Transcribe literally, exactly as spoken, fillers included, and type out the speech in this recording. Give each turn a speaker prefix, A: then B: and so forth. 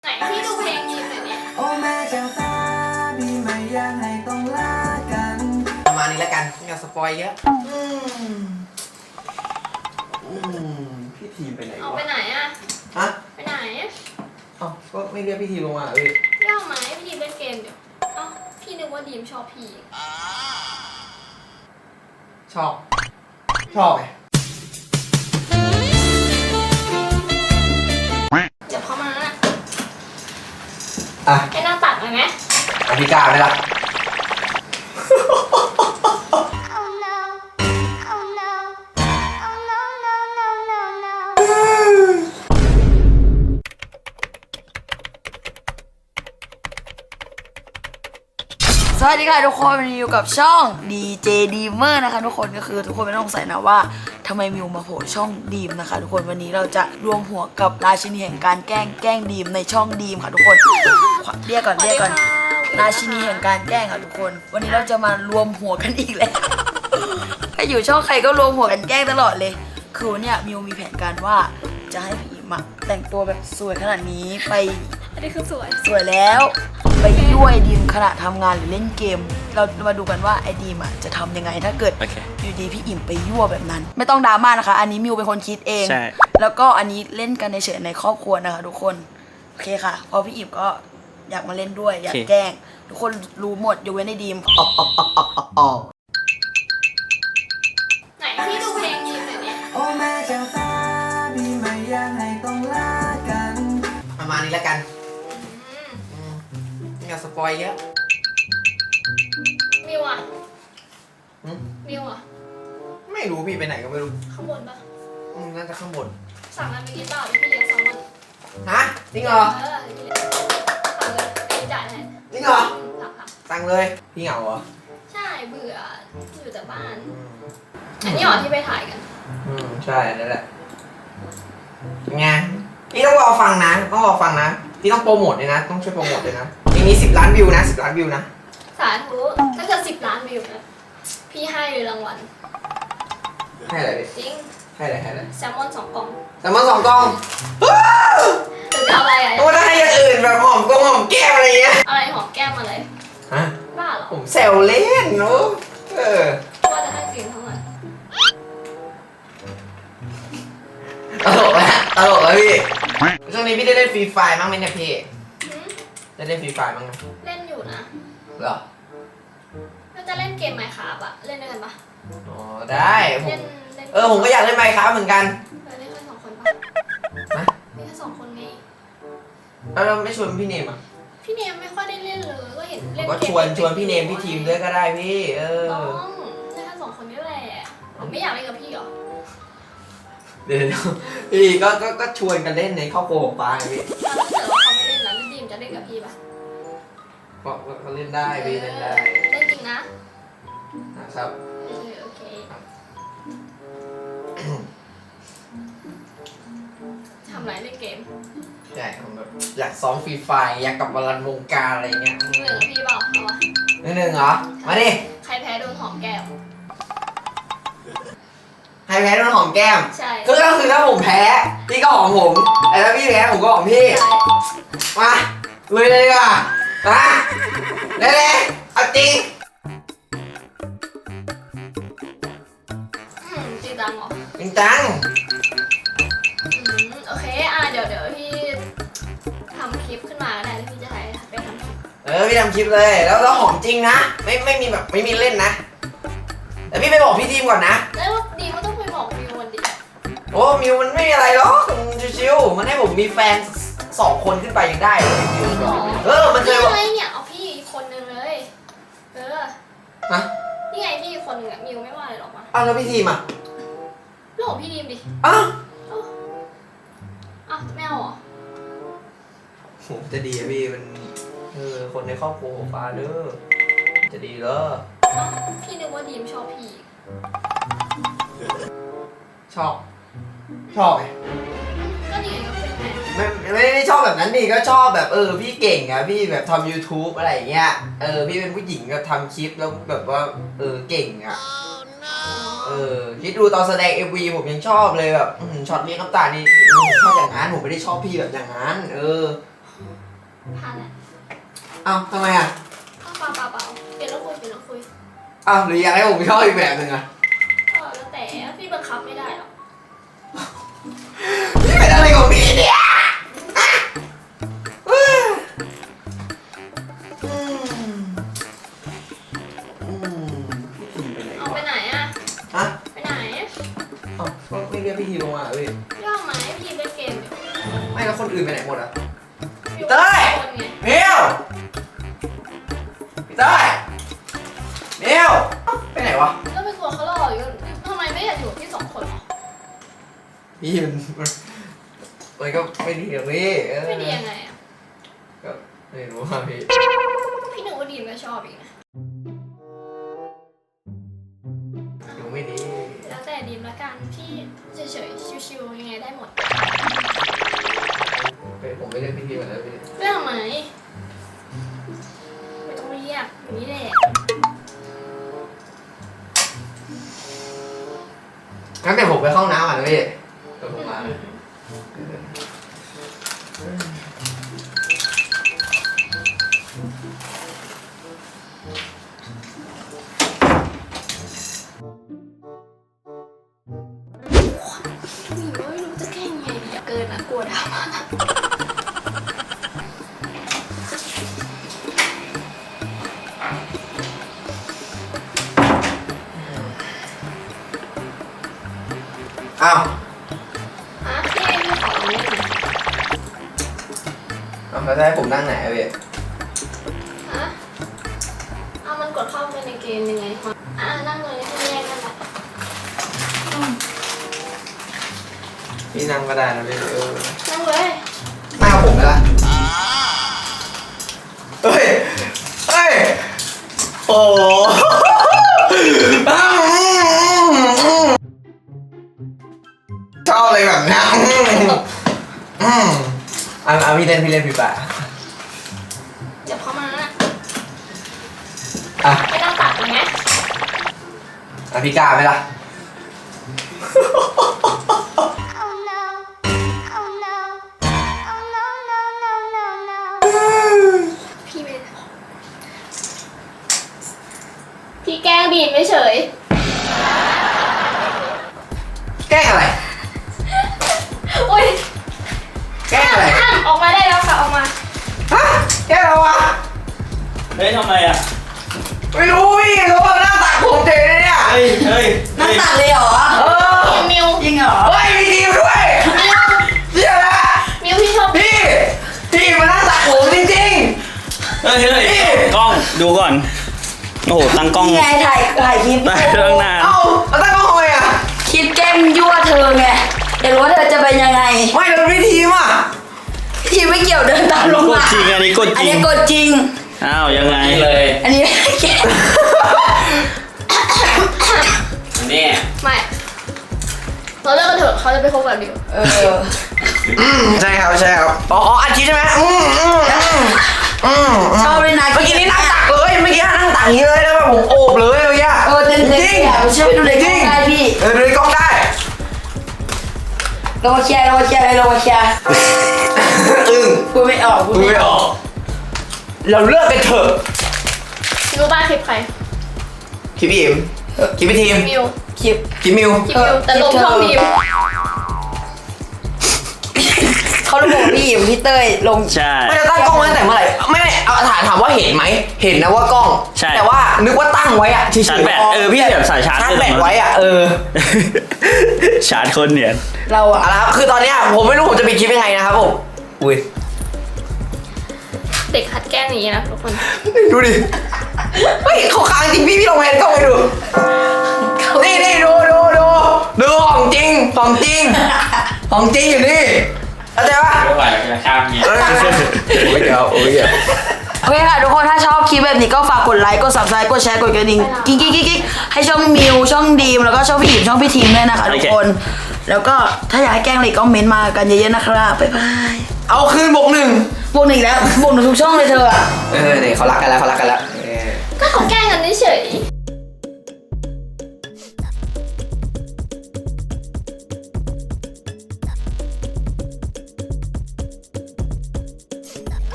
A: ไหนพี่ดูเพลงดีมหน่อยเนี่ย
B: โอ้แม่เจ้าตาพี่ไม่อยากให้ต้องลากันประมาณนี้แล้วกันไม่เอาสปอยเยอะอืมอืมพี่ทีมไปไหนวะ
A: เอาไปไหนอะ
B: ฮะ
A: ไปไหน
B: เอ้าก็ไม่เรียกพี่ทีมลงมาเลย
A: เรียกไหมพี่ดีมเล่นเกมเดี๋ยวเอ้าพี่นึกว่าดีมชอบพี่
B: ชอบชอบไง
A: เดี๋ยวเข้ามานะ
B: อ่ะ
A: ให้หน้าตักเลยไหม
B: อธิการไหมล่ะ
C: สวัสดีค่ะทุกคนวันนี้อยู่กับช่อง ดี เจ Dreamer นะคะทุกคนก็คือทุกคนไม่ต้องสงสัยนะว่าทำไมมิวมาโผล่ช่องดีมนะคะทุกคนวันนี้เราจะรวมหัวกับราชินีแห่งการแกล้งแกล้งดีมในช่องดีมค่ะทุกคนเรียกก่อนเรียกก่อนราชินีแห่งการแกล้งค่ะทุกคนวันนี้เราจะมารวมหัวกันอีกแล้วใครอยู่ช่องใครก็รวมหัวกันแกล้งตลอดเลยคือวันนี้มิวมีแผนการว่าจะให้พี่อิมแต่งตัวแบบสวยขนาดนี้ไป
A: อันนี้คือสวย
C: สวยแล้วไปยั่วไอดีมขณะทำงานหรือเล่นเกมเรามาดูกันว่าไอดีมอ่ะจะทำยังไงถ้าเกิด okay. อยู่ดีพี่อิ่มไปยั่วแบบนั้นไม่ต้องดราม่านะคะอันนี้มิวเป็นคนคิดเองแล้วก็อันนี้เล่นกันในเฉยในครอบครัวนะคะทุกคนโอเคค่ะพอพี่อิ่มก็อยากมาเล่นด้วยอยาก okay. แกล้งทุกคนรู้หมดยกเว้นไอดีม
A: ไหนพี่ดูเพลงดีมหน่อยเนี่ย
B: โอ้แม่เจ้าตาพี่ไม่อยากให้ต้องลากันประมาณนี้แล้วกันไม่เอาสปอยเยอะ
A: มิวอ่ะมิวอ่ะ
B: ไม่รู้พี่ไปไหนก็ไม่รู้
A: ข้างบนปะ
B: อืมน่าจะข้างบน
A: สั่งอะไรไปกินเปล่าพี่เลี้ยงแซลมอน
B: ฮะจริงเหรอ
A: เออสั่งเลยไอ้จ่ายแทน
B: จริงเหรอ
A: สั่งค่ะ
B: สั่งเลยพี่เหงาเหรอ
A: ใช่เบื่ออยู่แต่บ้านอันนี้เหรอที่ไปถ่ายกัน
B: อืมใช่นั่นแหละไงพี่ต้องรอฟังนะต้องรอฟังนะพี่ต้องโปรโมทเลยนะต้องช่วยโปรโมทเลยนะเพลงนี้สิบล้านวิวนะสิบล้านวิวนะ
A: สาธุถ้าเกิดสิบล้านวิวนะพี่ให้เลยรางวัล
B: ให้อะไรดิ
A: จริง
B: ให้อะไรให้อะไร
A: แซลมอนสองกล่อง
B: แซลมอนสองกล่อง
A: หรือจะเอาอะไรอ่ะ
B: โอ้ถ้าให้อย่างอื่นแบบหอมกงหอมแก้มอะไรเงี้ย
A: อะไรหอมแก้มอะไร
B: ฮะ
A: บ้าเหรอ
B: ผมแซวเล่นเนาะเออ
A: ว่าจะให้จริงเท่าไหร่
B: ตลกแล้วตลกแล้วพี่ช่วงนี้พี่ได้เล่นฟรีไฟมั้งไหมเนี่ยพี่ได้เล่นฟรีไฟมั้ง
A: เล่นอยู่นะ
B: เหรอ
A: เราจะเล่นเกมไมค์ครับอะเล่นด้วยกันปะ
B: อ๋อได้ผมเออผมก็อยากเล่นไมค์ครับเหมือนกัน
A: เล่นแค่สองคนปะ
B: นะ
A: เล่นแค่สองคนไง
B: แล้วเราไม่ชวนพี่เนมอ่ะ
A: พี่เนมไม่ค่อยได้เล่นเลยก็เห็นเล่น
B: ก็ชวนชวนพี่เนมพี่ทีมด้วยก็ได้พี่เออ
A: ต้องเล่นแค่สองคนนี่แหละผมไม่อยากเล่นกับพี่หรอ
B: เดี๋ยวพี่ก็ก็ก็ชวนกันเล่นในครอบครัวของป้าพี่
A: ถ้าเกิดว่าเขาไม่เล่นแล้วดีมจะเล่นกับพี่ปะ
B: ก็ก็เล่นได้พี่เล่นได้
A: เล่นจริงนะ
B: นะครับ
A: โอเคโอเคทำไรเล่นเกม
B: ใช่ผมแบบอยากซ้อมฟรีไฟอยากกลับมารันวงการอะไรเงี้ย
A: หนึ่งกับพี่เปล่าเอาวะ
B: หนึ่งหนึ่งเหรอมาดิ
A: ใครแพ้โดนหอมแก้ม
B: ใครแพ้โดนหอมแก้ม
A: ใช่
B: ก็คือถ้าผมแพ้พี่ก็หอมผมแต่ถ้าพี่แพ้ผมก็หอมพี่มาเลยเลยดีกว่ามาเลยเลยเอาจริง
A: จริงจังเหรอ
B: จริงจัง
A: โอเคอ่ะเดี๋ยวเดี๋ยวพี่ทำคลิปขึ้นมาได้แล้วพี่จะถ่ายไปทำคลิป
B: เออพี่ทำคลิปเลยแล้วเราหอมจริงนะไม่ไม่มีแบบไม่มีเล่นนะแต่พี่ไปบอกพี่ทีมก่อนนะ
A: แล้วดีมันต้องไปบอกมิวมันดิ
B: โอ้มิวมันไม่มีอะไรหรอกชิวๆมันให้ผมมีแฟนสองคนขึ้นไปยังได้เลยเออมัน
A: เลยอะไรเนี่ยเอาพี่อีกคนนึงเลยเออ
B: ฮะ
A: นี่ไงพี่อีกคนนึงอะมิวไม่ว่าอะไรหรอกมั้ง
B: อ้าวแล้วพี่ทีมอ่ะ
A: เรื่องของพี่ทีมดิ
B: อ้าว
A: อ้าวไม่เอาเหรอ
B: โหจะดีอะพี่มันเออคนในครอบครัวของฟ้าเด้อจะดีเหรอ
A: พี่นึกว่าดีมชอบพี่
B: ชอบชอบไง
A: ก็ดีก็เป็นไง
B: ไม่ไม่ได้ชอบแบบนั้นดิก็ชอบแบบเออพี่เก่งอะพี่แบบทำ YouTube อะไรอย่างเงี้ยเออพี่เป็นผู้หญิงก็ทำคลิปแล้วแบบว่าเออเก่งอะเออคิดดูตอนแสดง เอ็ม วี ผมยังชอบเลยแบบช็อตเลี้ยงน้ำตานี่ผมชอบอย่างนั้นผมไม่ได้ชอบพี่แบบอย่างนั้นเออ
A: โผ่านแหละ
B: เอ้าทำไมอ่ะ
A: เอาเปล่าเปล่าเปล่าเปลี่ยนแล้วคุยเปลี่ยนแล้วคุย
B: เอ้าหรืออยากให้ผมชอบอีกแบบหนึ่งอ่ะ
A: ก็แล้วแต่พี่บังคับไม่ได้หรอก
B: พี่เป็นอะไรของพี่เนี่ยอืมอืมพี่ทีมไปไหนวะ
A: เอาไปไหนอะ
B: ฮะ
A: ไปไหน
B: เอ้าก็ไม่เรียกพี่ทีมลงมาเหรอพี่
A: ย่องไหมพี่เล่นเกมอยู่
B: ไม่แล้วคนอื่นไปไหนหมดอ่ะ
A: อยู่
B: เต้ย
A: คนไง
B: เมียวพี่เต้ยเมียวเอ้าไปไหนวะ
A: แล้วเป็นคนเขาหล่ออยู่ทำไมไม่อยากอยู่กับพี่สองคนหรอ
B: พี่มันมันมันก็ไม่ดีหรอกพี่เออ
A: ไม่ดียังไงอะ
B: ก็ไม่รู้ว่าพี่
A: พี่หนึ่งว่าดีมก็ชอบอีกนะ
B: อยู่ไม่ดี
A: แล้วแต่ดีมละกันพี่เฉยๆชิวๆยังไงได้หมด
B: เป็นผมไม่เรียกพี่ทีมแล้วพี่
A: เรื่องทำไมไม่ต้องเรียกอย่างนี้แหละ
B: งั้นแต่ผมไปเข้าห้องน้ำก่อนนะพี่เดี๋ยวผมมานะ
A: มีว่าไม่รู้จะแก้ยังไงดีอะเกินอะกลัวดราม่า
B: อ้าว
A: ฮะพี่พี่ขอตรงนี้หน่อย
B: เอาแล้วจะให้ผมนั่งไหนอะพี่
A: ฮะเอามันกดเข้าไปในเกมยังไงวะอ่ะนั่งเลยที่แยกกันแหละ
B: พี่นั่งก็ได้นะพี่เออ
A: นั่งเลย
B: นั่งกับผมได้ละเฮ้ย เฮ้ย โอ้โหชอบเลยแบบนี้อืมเอาเอาพี่เล่นพี่เล่นพี่ป่ะ
A: เดี๋ยวเข้ามา
B: อ่ะ
A: ไม่ต้องตัดเลยไหม
B: อ่ะพี่กล้าไหมล่ะ
D: Oh no. Oh no. Oh no, no, no, no, no.
A: พี่ไม่ได้พี่แกล้งบีบไม่เฉย
B: แกล้งอะไร
A: โอ๊ย
B: แกล้งอะไร
A: ห้ามออกมาได้แล้วค่ะออกมา
B: ฮะแกล้งอะไรวะ
E: เฮ้ยทำไมอ่ะ
B: ไม่รู้พี่เขาบอกหน้าตักผมเจ๋งเลยเนี่ย
E: เฮ้ย เฮ้ย
C: นั่
E: เฮ้
C: ง
E: ย
C: ตัดเลยเหรอ
B: เออ
A: มิว
C: จริงเหรอ
B: เฮ้ยมีทีมด้วย
A: มิว
B: เดี๋ยวนะ
A: มิวพี่ชอบ
B: พี่พี่มาหน้าตักผมจริง
E: เฮ้ย เฮ้ย กล้อง ดูก่อน โอ้โห ตั้งกล้อง
C: นี่ไงถ่ายถ่ายคลิป
E: ได้ตั้งนาน
B: ๆ เอ้าแล้วตั้งกล้องทำไมอ่ะ
C: คลิปแกล้งยั่วเธอไงอยากรู้ว่าเธอจะเป็นยังไง
B: ไม่แล้วพี่ทีมอ่ะ
C: ทีไม่เกี่ยวเดินตามลง
E: กด
C: มา
E: จริง อันนี้กด
C: อัน
E: จริง
C: นี้กดจริง
E: อ้าว ยังไงเลย
C: อันนี้แกล้ง
E: นี่
A: ไม่เราเลิกกันเถอะเขาจะไปคบกับมิว
C: เออ
B: อืมใช่ครับใช่ครับอ๋ออ๋ออัดคลิปใช่ไหมอืมอืมอืมอืม
C: ชอบเลยนะ
B: เมื่อกี้นี่นั่งตักเลยเมื่อกี้นั่งตักอย่างนี้เลยแล้วแบบผมโอบเลยเมื่อกี้
C: เออเต้น
B: จ
C: เต้น
B: ริง
C: อย่าไปเชื่อไปดูในกล้องได้พี่
B: เออดูในกล้องได้
C: เรามาเคลียร์เรามาเคลียร์เลยเรามาเคลียร์
B: อึ้ง
C: พูดไม่ออกพูด
B: ดู
C: ไม่
B: ไม่
C: อ
B: อ
C: อก
B: อกเราเลิกกันเถอะ
A: รู้บ้านคลิปใคร
B: คลิปพี่อิมคลิปพี่ทีม
A: มิว
C: คลิป
B: คลิปมิว
A: คลิปมิวแต่ลงช่องมิว
C: เขาระบุพี่อิ๋มพี่เต้ยลง
E: ใช่
B: ไม่ได้ตั้งกล้องไว้ตั้งแต่เมื่อไหร่ไม่ไม่เอาถามถามว่าเห็นไหมเห็นนะว่ากล้อง
E: ใช่
B: แต่ว่านึกว่าตั้งไว้อะเฉยๆ
E: ชาร์จแบตเออพี่แบบสายชาร์จ
B: ชาร์จแบตไว้อะเออ
E: ชาร์จคนเนี่ย
C: เราอะ
B: เอาละครับคือตอนเนี้ยผมไม่รู้ผมจะปิดคลิปยังไงนะครับผมอุ้ย
A: เด็กหัดแกล้งอย่างนี้นะทุกคน
B: ดูดิเฮ้ยเขาค้างจริงพี่พี่ลองแพนกล้องไปดูนี่นี่ดูดูดูดูของจริงของจริงของจริงอยู่นี่เข้าใจปะ
E: ไม่ไหวจะข้ามเนี่ย
B: เออโอ้ยเดี๋ยวโอ้ยเดี๋ยว
C: โอเคค่ะทุกคนถ้าชอบคลิปแบบนี้ก็ฝากกดไลค์กด ซับสไครบ์ กดแชร์กดกระดิ่งกิ๊กกิ๊กกิ๊กกิ๊กให้ช่องมิวช่องดีมแล้วก็ช่องพี่อิ๋มช่องพี่ทีมด้วยนะคะทุกคน แล้วก็ถ้าอยากให้แกล้งอะไรก็เม้นต์มากันเยอะๆนะครับบ๊ายบาย
B: เอาคืนบวกหนึ่ง
C: บวกหนึ่งอีกแล้วบวกหนึ่งทุกช่องเลยเธออะ
B: เออเนี่ยเขารักกันแล้วเขารักกันแล้วเออ
A: ก็เขาแกล้ง